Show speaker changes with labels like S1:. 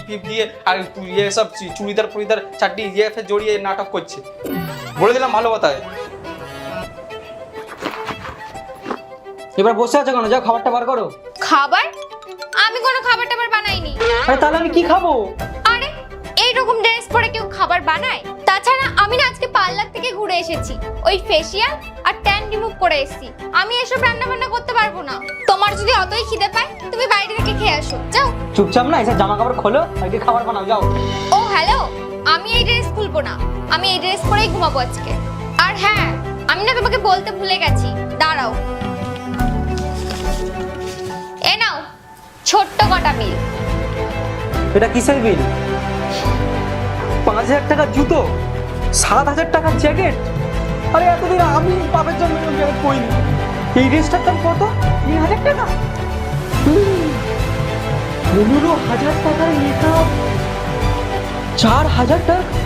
S1: ফিপ দিয়ে আর ইয়ে সব চুড়িদার ফুড়িদার চারটি ইয়ে ফে জড়িয়ে নাটক করছে। বলে দিলাম ভালো কথায়।
S2: এবার বসে আছো কেন? যাও খাবারটা বার করো।
S3: খাবার? আমি কোনো খাবার টাবার বানাইনি।
S2: আরে তাহলে আমি কি খাবো?
S3: আরে এইরকম ড্রেস পরে কেউ খাবার বানায়? তাছাড়া আমি না আজকে পার্লার থেকে ঘুরে এসেছি, ওই ফেসিয়াল আর ট্যান রিমুভ করে এসেছি। আমি এসব রান্না বান্না করতে পারবো না। তোমার যদি অতই খিদে পায় তুমি বাইরে থেকে খেয়ে আসো, যাও।
S2: চুপচাপ না এসব জামা কাপড় খোলো আর কি খাবার বানাও, যাও।
S3: ও হ্যালো, আমি এই ড্রেস খুলবো না, আমি এই ড্রেস পরেই ঘুমাবো আজকে। আর হ্যাঁ, আমি না তোমাকে বলতে ভুলে গেছি, দাঁড়াও। এ নাও ছোট্ট কটা বিল।
S2: এটা কিসের বিল? 5,000 টাকার জুতো, 7,000 টাকার জ্যাকেট। আরে এতদিন আমি বাপের জন্য জ্যাকেট পরিনি। এই ড্রেসটার দাম কত? 3,000 টাকা। 15,000 টাকার মেকআপ, 4,000 টাকা।